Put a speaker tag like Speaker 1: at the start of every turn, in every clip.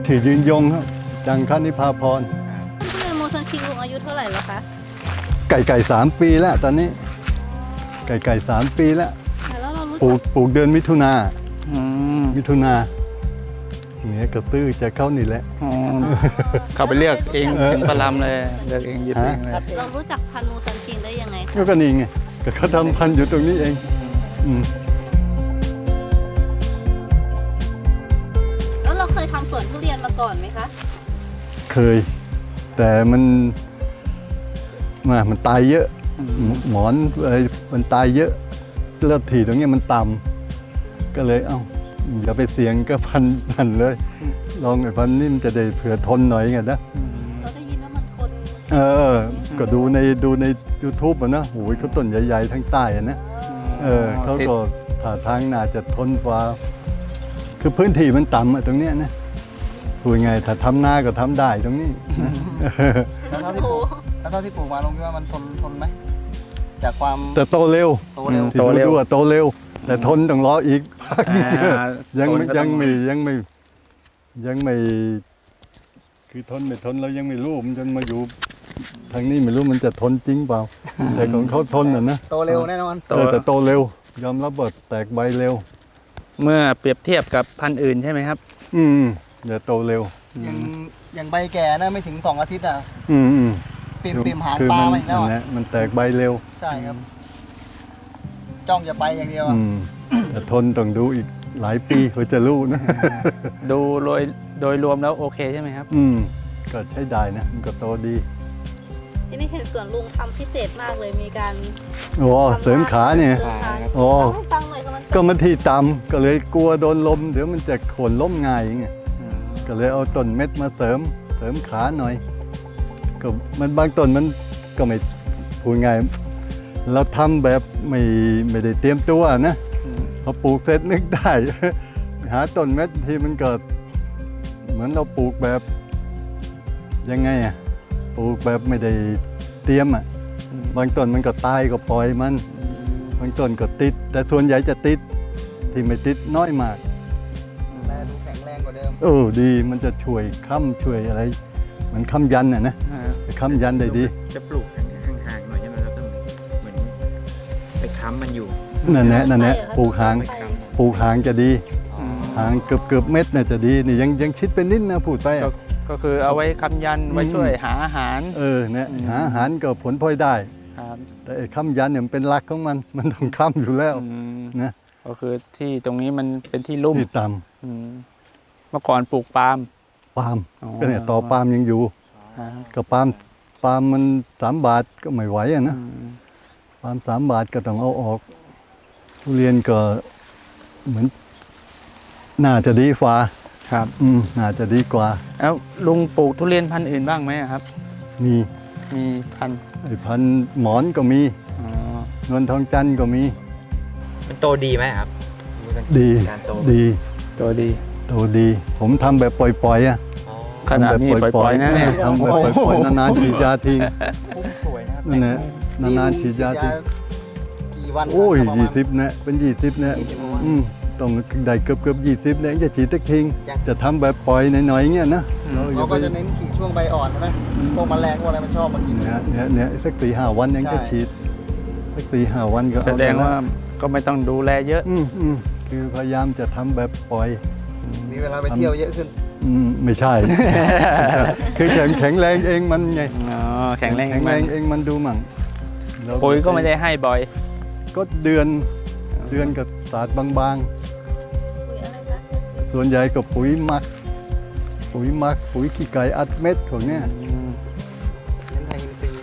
Speaker 1: ชื่อยืนยงครับจังคณิพาพร
Speaker 2: ทุเรียนโมซันคิงลุงอายุเท่าไหร่แล้วคะ
Speaker 1: ไก่3 ปีแล้วตอนนี้ไก่3 ปีแล้ว
Speaker 2: แล้วเรารู้
Speaker 1: ป
Speaker 2: จัก
Speaker 1: ลูกเดือนมิถุนา
Speaker 3: อืม
Speaker 1: มิถุนาเนี่ยกระตื้อจะเข้านี่แหละ
Speaker 3: อ๋อเขาไปเลือกเองถึงปลาลำเลยเลือกเองหยิบเองเลย
Speaker 2: เรารู้จักพันธุ์โมซันคิงได้ยังไงคะ
Speaker 1: ก็นี่ไงก็เขาทำพันธุ์อยู่ตรงนี้เองอืม
Speaker 2: แล้วเราเคยทำสวนทุเรียนมาก่อนไหมคะ
Speaker 1: เคย แต่มันตายเยอะ หมอนอะไรมันตายเยอะแล้วถี่ตรงนี้มันต่ำก็เลยอย่าไปเสี่ยงก็พันเลย ลองไอ้พันนี่มันจะได้เผื่อทนหน่อยไงนะ
Speaker 2: เราได้ยินว่ามันทน
Speaker 1: ก็ดูใน YouTube อ่ะนะโอ้ยเขาต้นใหญ่ๆทั้งใต้อะนะเขาก็ท่าทางน่าจะทนกว่าคือพื้นที่มันต่ำอะตรงเนี้ยนะพูดไงถ้าทำนาก็ทำได้ตรงนี้นะ
Speaker 4: แล้วเท่าที่ปลูกมาลงคิดว่ามันทนไหมจากความ
Speaker 1: แต่โตเร็ว
Speaker 4: โตเร็ว
Speaker 1: ที่ดูว่าโตเร็ว แต่ทนต้องรออีกพักหนึ่ง ยังไม่คือทนไม่ทนเรายังไม่รู้มันจนมาอยู่ทางนี้ไม่รู้มันจะทนจริงเปล่าแต่ของเขาทนอ่ะนะ
Speaker 4: โตเร็วแน่นอน
Speaker 1: แต่โตเร็ว ยอมรับว่าแตกใบเร็ว
Speaker 3: เมื่อเปรียบเทียบกับพันธุ์อื่นใช่ไหมครับ
Speaker 1: อย่าโตเร็ว
Speaker 4: อย่างใบแก่นะไม่ถึง2 อาทิตย์อ่ะ
Speaker 1: อืม
Speaker 4: ปิ่มหาง
Speaker 1: คือ
Speaker 4: ปลา
Speaker 1: มัน
Speaker 4: มาอีกแล้ว
Speaker 1: นั่นแห
Speaker 4: อ่ะ
Speaker 1: ละมันแตกใบเร็ว
Speaker 4: ใช่ครับ จ้องจะไปอย่างเดียวอ่ะ
Speaker 1: แต่ทนต้องดูอีกหลายปีเพื่อจะรู้นะ
Speaker 3: ดูโดยรวมแล้วโอเคใช่ไหมครับ
Speaker 1: ก็ใช้ได้นะมันก็โตดี
Speaker 2: ที่นี่เห็นสวนลุงทำพิเศษมากเลยมีการ
Speaker 1: โอ้เสริมขาเนี่ย
Speaker 2: เสริมขา
Speaker 1: โอ้
Speaker 2: ต้องให้ฟังหน่อยค่ะมัน
Speaker 1: ก็มันที่ต่ำก็เลยกลัวโดนลมเดี๋ยวมันจะโค่นล้มง่ายอย่างเงี้ยก็เลยเอาต้นเม็ดมาเสริมขาหน่อยก็มันบางต้นมันก็ไม่พูดง่ายเราทำแบบไม่ได้เตรียมตัวนะพอปลูกเสร็จนึกได้ หาต้นเม็ดที่มันเกิดเหมือนเราปลูกแบบยังไงอ่ะปลูกแบบไม่ได้เตรียมอ่ะบางต้นมันก็ตายก็ปล่อยมันบางต้นก็ติด แต่ส่วนใหญ่จะติดที่ไม่ติดน้อยมาก
Speaker 4: และดูแข็งแรงกว่าเดิม
Speaker 1: ดีมันจะช่วยค้ำช่วยอะไรเหมือนค้ำยันน่ะนะค้ำยันได้ดี
Speaker 5: จะปลูกห่างๆหน่อยใช่ไหมแล้วก็เหมือนไปค้ำมันอยู่
Speaker 1: นั่นแหละปลูกหางจะดีหางเกือบเม็ดน่ะจะดีนี่ยังชิดเป็นนิดนะพูดไปอ่ะ
Speaker 3: ก็คือเอาไว้ค้ำยันไว้ช่วยหาอาหาร
Speaker 1: เนี่ยหาอาหารก็ผลพลอยได้
Speaker 3: ครับ
Speaker 1: แต่ไอ้ค้ำยันเนี่ยมันเป็นหลักของมันต้องค้ำอยู่แล้วนะ
Speaker 3: ก็คือที่ตรงนี้มันเป็นที่ลุ่ม
Speaker 1: ที่ต่
Speaker 3: อืมเมื่อก่อนปลูกปาล์ม
Speaker 1: ำปาล์ม
Speaker 3: อ๋อ
Speaker 1: ก็เนี่ยต่อปาล์มยังอยู่
Speaker 3: ครับ
Speaker 1: ก็ปาล์มมัน3 บาทก็ไม่ไหวอ่ะนะปาล์ม3 บาทก็ต้องเอาออกทุเรียนก็เหมือนน่าจะดีฟ้า
Speaker 3: ครับ
Speaker 1: น่าจะดีกว่า
Speaker 3: แล้วลุงปลูกทุเรียนพันธุ์อื่นบ้างไหมครับ
Speaker 1: มี
Speaker 3: มีพันธุ์
Speaker 1: ไอ้พันธุ์หมอนก็มี
Speaker 3: อ๋อน
Speaker 1: วลทองจันทร์ก็มี
Speaker 5: มันโตดีไหมครับ
Speaker 1: ดี
Speaker 5: การโต
Speaker 1: ดี
Speaker 3: ตัวดี
Speaker 1: โตดี ผมทำแบบปล่อยๆอ่ะ
Speaker 5: อ๋อ
Speaker 3: ขนาดนี้ปล่อยๆนะเนี่ย
Speaker 1: ทำแบบปล่อยๆนานๆฉีดยาทิ้ง
Speaker 4: พุ่มสวยนะครับ
Speaker 1: นั่นแหละนานๆฉีดยาทิ้ง
Speaker 4: กี่วัน
Speaker 1: โอ้ย
Speaker 4: ประมาณ
Speaker 1: 20นะเป็น20นะ
Speaker 4: 20ประมาณ
Speaker 1: ต้องได้เกือบ20เนี่ยจะฉีดสักทิ้ง
Speaker 4: จ้ะ
Speaker 1: จะทำแบบปล่อยหน่อยๆเงี้ยนะอย่
Speaker 4: เรา
Speaker 1: ไป
Speaker 4: ก็จะเน้นฉีดช่วงใบอ่อนนะพวกแมลงพวกอะไรมันชอบมากิน
Speaker 1: เนี่ยสัก4-5 วันยังจะ
Speaker 4: ใช่
Speaker 1: ฉีดสัก4-5 วันก็
Speaker 3: แส
Speaker 1: เอา
Speaker 3: ดงว่าก็ไม่ต้องดูแลเยอะ
Speaker 1: คือพยายามจะทำแบบปล่อย
Speaker 4: มีเวลาไปเที่ยวเยอะขึ้น
Speaker 1: ไม่ใช่ คือแข็งแรงเองมันไง
Speaker 3: อ๋อแข็งแรง
Speaker 1: แข็งแรงเองมันดูมั่งแล้ว
Speaker 3: ปุ๋ยก็ไม่ได้ให้บ่อย
Speaker 1: ก็เดือนกับศาสตร์บาง
Speaker 2: ปุ๋ยอะไรคะ
Speaker 1: ๆ ส่วนใหญ่ก็ปุ๋ยหมัก ปุ๋ยขี้ไก่อัดเม็ดของเนี้ย
Speaker 4: เน้นไทยอินทรีย์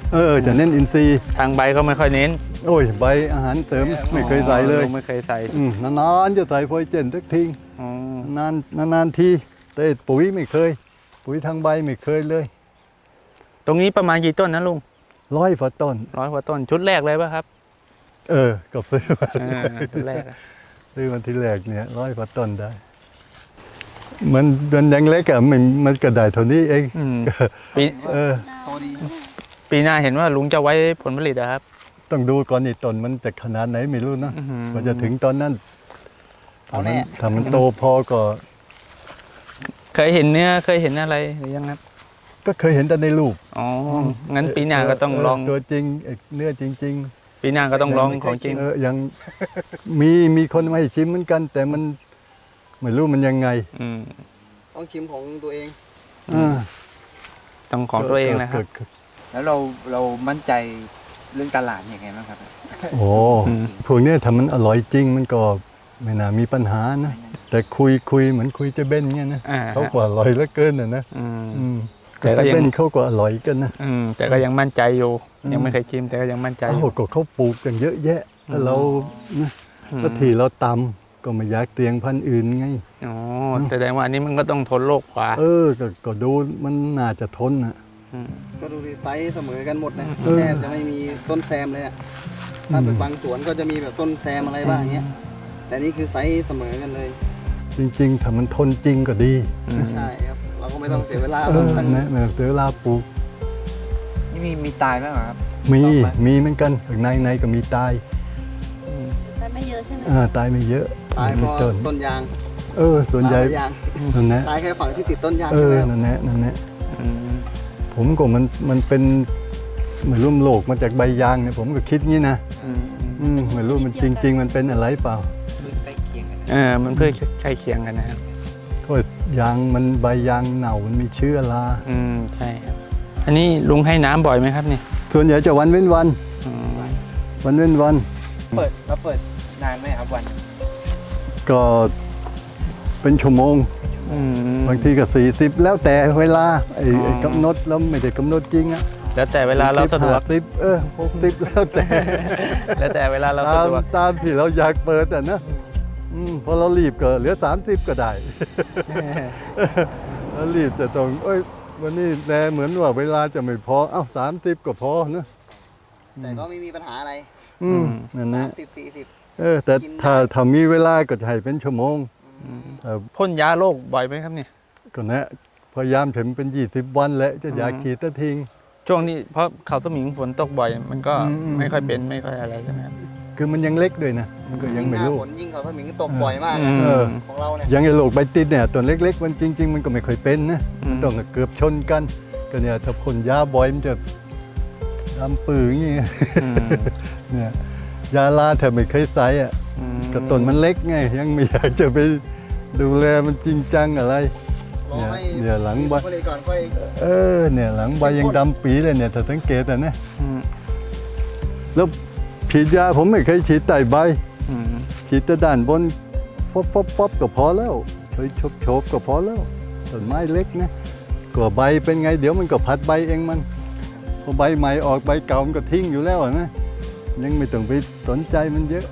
Speaker 1: จะเน้นอินทรีย์
Speaker 3: ทางใบก็ไม่ค่อยเน้น
Speaker 1: โอ้ยใบอาหารเสริมไม่เคยใส่เลย
Speaker 3: ลุงไม่เคยใส่
Speaker 1: นานๆจะใส่โฟยเจนสักทิ้ง
Speaker 3: อ๋อ
Speaker 1: นานทีแต่ปุ๋ยไม่เคย ปุ๋ยทางใบไม่เคยเลย
Speaker 3: ตรงนี้ประมาณกี่ต้นนะลุง
Speaker 1: 100 ฝาต้น
Speaker 3: 100 กว่าต้นชุดแรกเลยป่ะครับ
Speaker 1: ก็ซื้อมา
Speaker 3: ชุดแรกอะ
Speaker 1: ซื้อวันที่แรกเนี่ย100 ฝาต้นได้ มันยังเล็กอะมันก็ได้เท่านี้เอง
Speaker 3: ปี
Speaker 4: โตดี
Speaker 3: ปีหน้าเห็นว่าลุงจะไว้ผลผลิตอะครับ
Speaker 1: ต้องดูก่อนนี่ต้นมันจะขนาดไหนไม่รู้นะกว่าจะถึงตอนนั้น
Speaker 4: เอาแน่
Speaker 1: ถ้ามันโตพอก็
Speaker 3: เคยเห็นเนื้อเคยเห็นอะไรหรือยังครับ
Speaker 1: ก็เคยเห็นแต่ในรูป
Speaker 3: อ๋องั้นปีหน้าก็ต้องลอง
Speaker 1: ตัวจริงเนื้อจริง
Speaker 3: ปีหน้าก็ต้องลองของจริง
Speaker 1: ยังมีคนมาให้ชิมเหมือนกัน แต่มันไม่รู้มันยังไง
Speaker 3: อืม
Speaker 4: ต้องชิมของตัวเอง
Speaker 3: ต้องของตัวเองนะครับ
Speaker 5: แล้วเรามั่นใจเรื่องตลาดยังไงบ้างครับ
Speaker 1: โอ้
Speaker 3: อืม
Speaker 1: พวกเนี้ยถ้ามันอร่อยจริงมันก็ไม่น่ามีปัญหานะ แต่คุยเหมือนคุยเจะเบ้นเงี้ยนะ
Speaker 3: อ่า
Speaker 1: เขากว่าอร่อยเหลือเกินนะ
Speaker 3: อืม
Speaker 1: อืม
Speaker 3: แต่ก็
Speaker 1: เจะ
Speaker 3: ยัง
Speaker 1: เบ้นเขาก็อร่อยกันนะ
Speaker 3: แต่ก็ยังมั่นใจอยู่
Speaker 1: อืม
Speaker 3: ยังไม่เคยชิมแต่ก็ยังมั่นใจอ
Speaker 1: โอ้
Speaker 3: ยู่
Speaker 1: ก็เขาปลูกกันเยอะแยะแล้วเรานะ
Speaker 3: อืม
Speaker 1: ก็ที่เราตำก็ไม่อยากเตียงพันธุ์อื่นไง
Speaker 3: อ๋อแสดงว่าอันนี้มันก็ต้องทนโรคกว่า
Speaker 1: ก็ดูมันน่าจะทนนะ
Speaker 3: ม
Speaker 4: ก็ดูดิไซส์เสมอกันหมดนะ
Speaker 1: เออ
Speaker 4: แทบจะไม่มีต้นแซมเลยอะถ้าเป็นบางสวนก็จะมีแบบต้นแซมอะไรบ้างเงี้ย แต่นี่คือไซส์เสมอกันเลย
Speaker 1: จริงๆถ้ามันทนจริงก็ดี
Speaker 4: ใช่ครับ เราก็ไม่ต้องเสียเวลา
Speaker 1: นะไม่ต้องเสียเวลาปลูก
Speaker 5: นี่มีตายบ้างเหรอครับ
Speaker 1: มี
Speaker 5: ชอบไหม
Speaker 1: มีเหมือนกันข้างในก็มีตาย
Speaker 2: แต่ไม่เยอะใช่ไหม
Speaker 1: ตายไม่เยอะ
Speaker 4: ตายเพราะ
Speaker 1: ต้น
Speaker 4: ต้นยาง
Speaker 1: ส่วนใหญ่
Speaker 4: ตายเพราะยาง
Speaker 1: นั่นแหละ
Speaker 4: ตายแค่ฝั่งที่ติดต้นยางใช่ไหมครับ
Speaker 1: นั่นแหละนั่นแหละ
Speaker 3: อืม
Speaker 1: ผมก็มันเป็นเหมือนร่มโลกมาจากใบยางเนี่ยผมก็คิดงี้นะ ไม่รู้มันจริง ๆ มันเป็นอะไรเปล่า
Speaker 5: ใกล้เคียงกัน
Speaker 3: มันเพื่อใกล้เคียงกันนะครับ
Speaker 1: ก็ยางมันใบยางเน่ามันมีเชื้อรา
Speaker 3: ใช่ครับ อันนี้ลุงให้น้ำบ่อยไหมครับนี่
Speaker 1: ส่วนใหญ่จะวันเว้นวัน
Speaker 3: อืม
Speaker 1: วันเว้นวัน
Speaker 5: เปิดนานไหมครับวัน
Speaker 1: ก็เป็นชั่วโมง
Speaker 3: อืม
Speaker 1: บางทีก็40แล้วแต่เวลาไอ้กำหนดแล้วไม่ได้กำหนดจริงอะ
Speaker 3: แล้วแต่เวลาเราสะดวก
Speaker 1: 50 60แล้วแต่
Speaker 3: แล้วแต่เวลาเราสะดวก
Speaker 1: ตามที่เราอยากเปิดอะนะพอเรารีบก็เหลือ30ก็ได้ แล้วรีบจะต้องวันนี้แลเหมือนว่าเวลาจะไม่พอ30ก็พอนะ
Speaker 4: แต่ก็ไม่มีปัญหาอะไร
Speaker 1: นั่นนะ
Speaker 4: 30-40
Speaker 1: แต่
Speaker 4: กินได้
Speaker 1: ถ้ามีเวลาก็จะให้เป็นชั่วโมงถ้า
Speaker 3: พ่นยาโรคบ่อยไหมครับเนี่ย
Speaker 1: ก็นะพยายามถึงเป็น20 วันแล้วจะอยากฉีดตะทิ้ง
Speaker 3: ช่วงนี้เพราะเขาสมิงฝนตกบ่อย มันก็
Speaker 1: อืม
Speaker 3: ไม่ค่อยเป็นไม่ค่อยอะไรใช่ไหมครับ
Speaker 1: คือมันยังเล็กด้วยนะมันก็ยังไม่รู้
Speaker 4: หน้าฝนยิ่งเขาสมิงตกบ่อยมาก
Speaker 3: อื
Speaker 4: นะ
Speaker 3: ม
Speaker 1: เออ
Speaker 4: ของเราเนี่ย
Speaker 1: อยังไอ้โรคใบติดเนี่ยตัวเล็ก ๆ มันจริง ๆ มันก็ไม่ค่อยเป็นนะ
Speaker 3: อืม
Speaker 1: มันต้องเกือบชนกันก็เนี่ยถ้าพ่นยาบ่อยมันจะดำปื้ออย่างเงี้ย
Speaker 3: อืม
Speaker 1: เนี่ยยาลาแทบไม่เคยใส่อ่ะ
Speaker 3: อืม
Speaker 1: กระต้นมันเล็กไงยังไม่อยากจะไปดูแลมันจริงจังอะไร
Speaker 4: รอให้
Speaker 1: เนี่ยหลังใบ
Speaker 4: ผลิตก่อนค่อย
Speaker 1: เนี่ยหลังใบยังดำปีเลยเนี่ยถ้าสังเกตอ่ะนะ
Speaker 3: อืม
Speaker 1: แล้วฉีดยาผมไม่เคยฉีดใต้ใบ
Speaker 3: อืม
Speaker 1: ฉีดแต่ด้านบนฟบก็พอแล้วโฉบก็พอแล้วต้นไม้เล็กนะก็ใบเป็นไงเดี๋ยวมันก็พัดใบเองมันพอใบใหม่ออกใบเก่ามันก็ทิ้งอยู่แล้วนะยังไม่ต้องไปสนใจมันเยอะ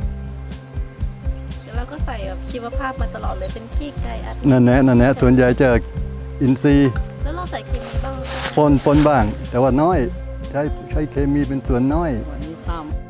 Speaker 2: แล้วเราก็ใส่แบบชีวภาพมาตลอดเลยเป็นขี้ไก่อัด
Speaker 1: นั่นแหละส่วนใหญ่จะอินทรีย์
Speaker 2: แล้วเราใส่เคมีบ้างไหม
Speaker 1: ปนบ้าง แต่ว่าน้อยใช้เคมีเป็นส่วนน้อย
Speaker 4: วันนี้ข้าม